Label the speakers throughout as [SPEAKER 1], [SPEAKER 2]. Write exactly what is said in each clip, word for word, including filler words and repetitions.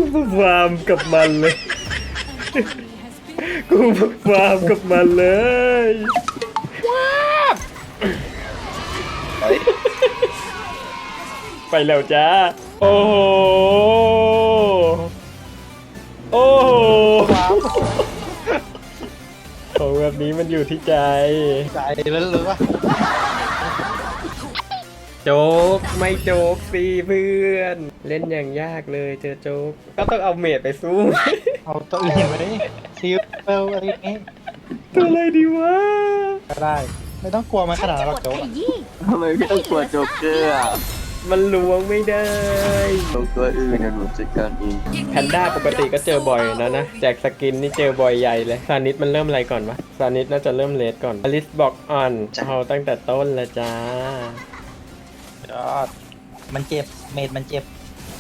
[SPEAKER 1] ฟาร์มกับมันเลยกูฟาร์มกับมันเลยว้าบไปแล้วจ้าโอ้โหโอ้โหของแบบนี้มันอยู่ที่ใจ
[SPEAKER 2] ใจแล้วหรือวะ
[SPEAKER 1] โจ๊กไม่โจ๊กสิเพื่อนเล่นอย่างยากเลยเจอโจ๊กก็ต้องเอาเมดไปสู้
[SPEAKER 2] เอาตัวอื่นไหมซิลเปลอะไรอย่างงี้
[SPEAKER 1] ตัวอะไรดีวะ
[SPEAKER 2] ก็ได้ไม่ต้องกลัวมันขนาดนั้นหรอกโจ๊ก
[SPEAKER 3] ทำไมพี่ต้องกลัวโจ๊กเกอร์อ่ะ
[SPEAKER 1] มันล้วงไม่ได้
[SPEAKER 3] โจ๊กตัวอื่นนะหนูจัดการเอง
[SPEAKER 1] แพนด้าปกติก็เจอบ่อยนะนะแจกสกินนี่เจอบ่อยใหญ่เลยซานิสมันเริ่มอะไรก่อนวะซานิสน่าจะเริ่มเลสก่อนอลิสบอกอ่อนเอาตั้งแต่ต้นละจ้าย
[SPEAKER 2] อดมันเจ็บเมดมันเจ็บ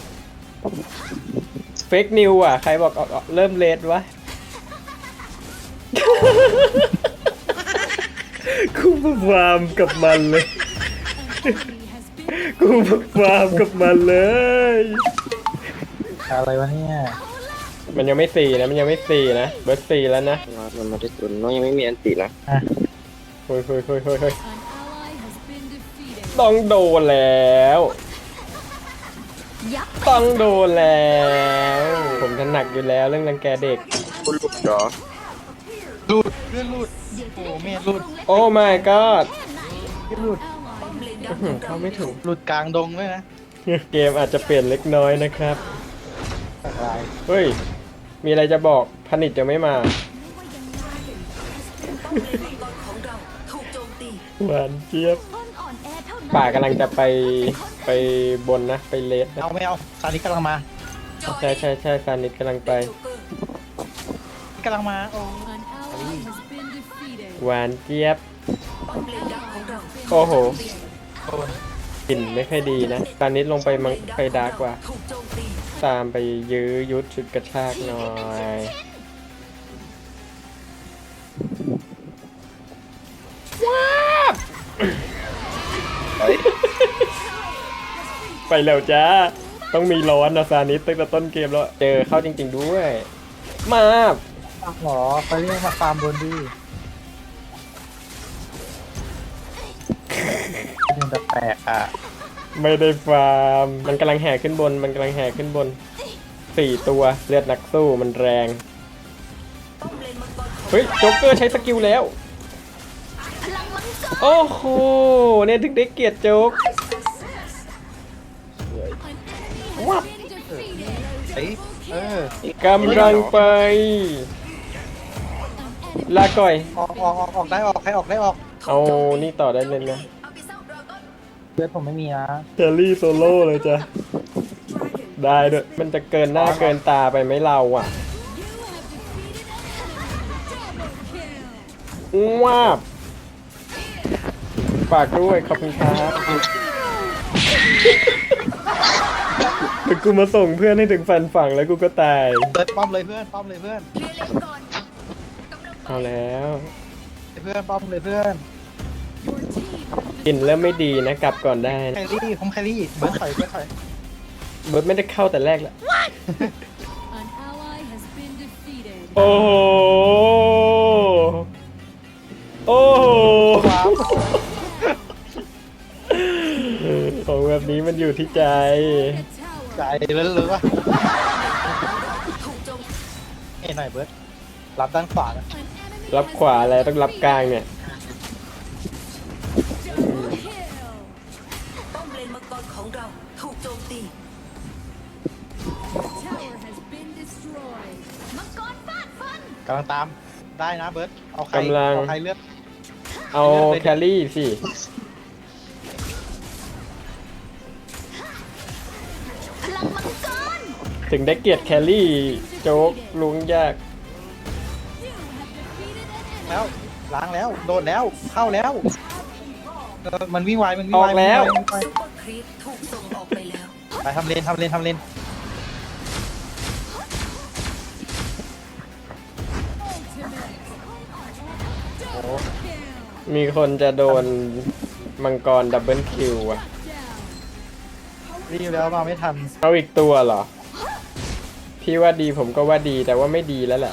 [SPEAKER 1] เฟกนิวอ่ะใครบอกเริ่มเลสวะ กูฟาร์มกับมันเลยกูฟาร์มกับมันเลย
[SPEAKER 2] อะไรวะเนี่ย
[SPEAKER 1] มันยังไม่สี่นะมันยังไม่สี่นะเบิร์ดสี่แล้วนะ
[SPEAKER 3] มันมาที่สุดน้องยังไม่มีอันตินะ
[SPEAKER 1] เฮ้ยเฮ้ยเฮ้ยเฮ้ยเฮ้ยต้องโดนแล้วต้องโดนแล้วผมถนัดอยู่แล้วเรื่องรังแกเด็ก
[SPEAKER 3] คุณลูกเหรอ
[SPEAKER 2] ลูดเลื่อนลูดโอ้เมดลูด
[SPEAKER 1] โอ้ my god
[SPEAKER 2] ลูด
[SPEAKER 1] เข้าไม่ถึง
[SPEAKER 2] ลูดกลางดงเลยนะ
[SPEAKER 1] เกมอาจจะเปลี่ยนเล็กน้อยนะครับเฮ้ยมีอะไรจะบอกผนิตจะไม่มาหวานเจี๊ยบป่ากำลังจะไปไปบนนะไปเลส
[SPEAKER 2] เอาไม่เอาซานิกำลังมา
[SPEAKER 1] ใช่ใช่ใช่ซานิสกำลังไป
[SPEAKER 2] กำลังมาโอ้
[SPEAKER 1] หวานเจี๊ยบโอ้โหกลิ่นไม่ค่อยดีนะซานิสลงไปมังไปดาร์กกว่าตามไปยื้อยุดชุดกระชากหน่อยว้าบไปแล้วจ้าต้องมีร้อนนะซานิสตั้งแต่ต้นเกมแล้วเจอเข้าจริงๆด้วยมา
[SPEAKER 2] หรอไปเรียกมาฟาร์มบนดีมันจะแปลกอ่ะ
[SPEAKER 1] ไม่ได้ฟาร์มมันกำลังแห่ขึ้นบนมันกำลังแห่ขึ้นบนสี่ตัวเลือดนักสู้มันแรงเฮ้ยโจ๊กเกอร์ใช้สกิลแล้วโอ้โหเนี่ยถึงได้เกียรติโจ๊กวับ
[SPEAKER 2] เออก
[SPEAKER 1] ำลังไปลาก่อย
[SPEAKER 2] ออกออกออกออกได้ออกใครออกได้ออก
[SPEAKER 1] เอานี่ต่อได้เลยนะ
[SPEAKER 2] เพื่อนผมไม่มีนะ
[SPEAKER 1] เทลลี่โซโล่เลยจ้ะได้ด้วยมันจะเกินหน้าเกินตาไปไหมเราอ่ะว้าบฝากด้วยขอบคุณครับเดี๋ยวกูมาส่งเพื่อนให้ถึงฟันฝั่งแล้วกูก็ตาย
[SPEAKER 2] เปิดป้อมเลยเพื่อนป้อมเลยเพื่อน
[SPEAKER 1] เอาแล้ว
[SPEAKER 2] เพื่อนป้อมเลยเพื่อน
[SPEAKER 1] กินแล้วไม่ดีนะกลับก่อนได้
[SPEAKER 2] แครี่ผมแครี่เบิร์ดถอยเบิร์ดถอย
[SPEAKER 1] เบิร์ดไม่ได้เข้าแต่แรกแหละโอ้โหโอ้โหของแบบนี้มันอยู่ที่ใจ
[SPEAKER 2] ใจแล้วหรือวะเอ้หน่อยเบิร์ดรับด้านขวานะ
[SPEAKER 1] รับขวาอะไรต้องรับกลางเนี่ย
[SPEAKER 4] ป้อมเลนมังกรของเราถูกโจมตี
[SPEAKER 2] กำลังตามได้นะเบิร์ดเอาใครเอาใครเลือก
[SPEAKER 1] เอาแคลรี่สิถึงได้เกียรติแคลรี่โจ๊กลุงยาก
[SPEAKER 2] แล้วล้างแล้วโดดแล้วเข้าแล้วมันวิ่งไวมันวิ่ง
[SPEAKER 1] ไวแล้ว
[SPEAKER 2] ไปทำเลนทำเลนทำเลน
[SPEAKER 1] มีคนจะโดนมังกรดับเบิลคิวอ่ะ
[SPEAKER 2] รีบแล้วมาไม่ทัน
[SPEAKER 1] เอาอีกตัวเหรอพี่ว่าดีผมก็ว่าดีแต่ว่าไม่ดีแล้วแหละ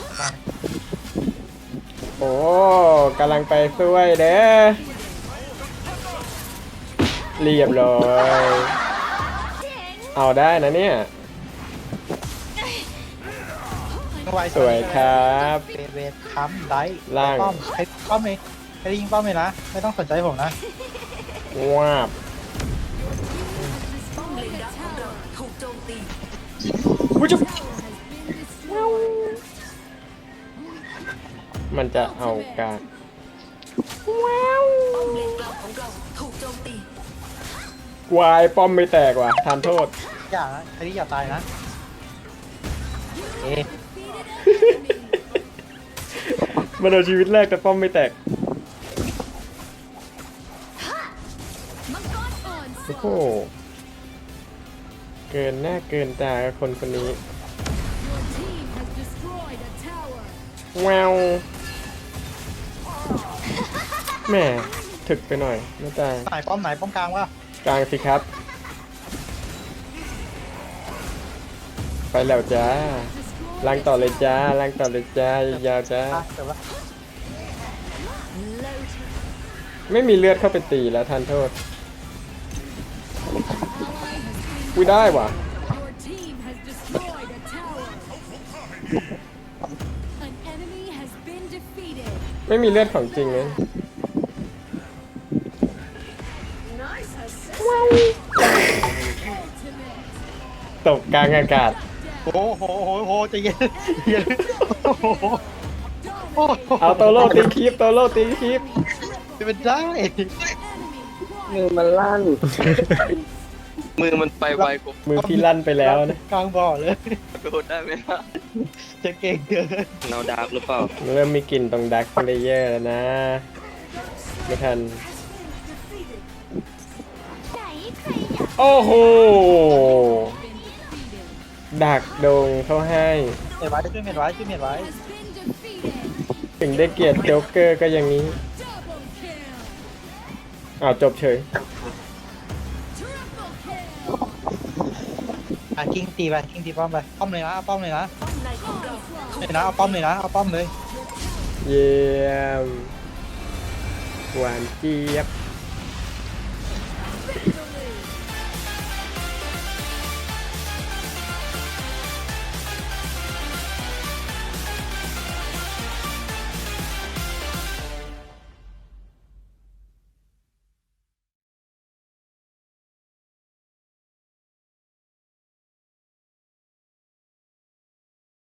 [SPEAKER 1] โอ้กำลังไปช่วยเด้อเรียบร้อยเอาได้นะเนี่ย
[SPEAKER 2] ไว
[SPEAKER 1] สวยครับ
[SPEAKER 2] เวทเวทค้ำได้
[SPEAKER 1] ล่าง
[SPEAKER 2] ป้อมใครป้อมเลยใครยิงป้อมเลยนะ ไม่ต้องสนใจผมนะ
[SPEAKER 1] วาบ
[SPEAKER 4] ป้อมเลนดักของเราถูกโจมตี
[SPEAKER 1] วุ้ยจุ๊บมันจะเอาการ
[SPEAKER 4] ป้อมเลนกลางของเราถูกโจมตี
[SPEAKER 1] วายป้อมไม่แตกว่ะทานโทษ
[SPEAKER 2] อย่านะใครที่อย่าตายนะ เอ๊ะ
[SPEAKER 1] มันเอาชีวิตแรกแต่ป้อมไม่แตก โอ้โห เกินหน้าเกินตากับคนคนนี้ แววแหม่ถึกไปหน่อยไม่ตาย
[SPEAKER 2] ไหนป้อมไหนป้อมกลางวะ
[SPEAKER 1] กลางสิครับ ไปแล้วจ้าล้างต่อเลยจ้าล้างต่อเลยจ้ายาวๆจ้า
[SPEAKER 2] อ่ะเดี๋ยววะ
[SPEAKER 1] ไม่มีเลือดเข้าไปตีแล้วทานโทษอุ้ยได้ว่ะ
[SPEAKER 5] Your team has destroyed a tower. An enemy has been defeated.
[SPEAKER 1] ไม่มีเลือดของจริงเลย
[SPEAKER 5] Ultimate.
[SPEAKER 1] ตกกลางอากาศ
[SPEAKER 2] โอ้โหโหโหใจเย็นเย็นโอ้โหโอ้โห
[SPEAKER 1] เอาโตโร่ตีคลิปโตโร่ตีคลิป
[SPEAKER 2] จะเป็นได้
[SPEAKER 5] Enemy
[SPEAKER 3] มือมันลั่น มือมันไปไวกว่า
[SPEAKER 1] มือพี่ลั่นไปแล้วนะ
[SPEAKER 2] กลางบ่อเลย
[SPEAKER 3] โดดได้ไหมล่ะ
[SPEAKER 2] จะเก่งเกิน
[SPEAKER 3] เนาดาร์กหรือเปล่า
[SPEAKER 1] เริ่มมีกลิ่นตรงดักเลเยอร์แล้วนะ ไม่ทัน โอ้โห
[SPEAKER 5] been defeated.
[SPEAKER 1] ดักดงเขาให้
[SPEAKER 2] เม็ดไว้ช่วยเม็ดไว้ช่วยเม็ดไว้
[SPEAKER 5] Has been defeated.
[SPEAKER 1] ถึงได้เกลียดโจ๊กเกอร์ก็อย่างนี้
[SPEAKER 5] Double kill.
[SPEAKER 1] อ้าวจบเฉย
[SPEAKER 5] Triple kill.
[SPEAKER 2] อ่ะคิงตีไปคิงตีป้อมไปป้อมเลยนะเอาป้อมเลยนะ
[SPEAKER 4] ป้อมในของเรา
[SPEAKER 2] เลยนะเอาป้อมเลยนะเอาป้อมเลย
[SPEAKER 1] เยี่ยม หวานเจี๊ยบ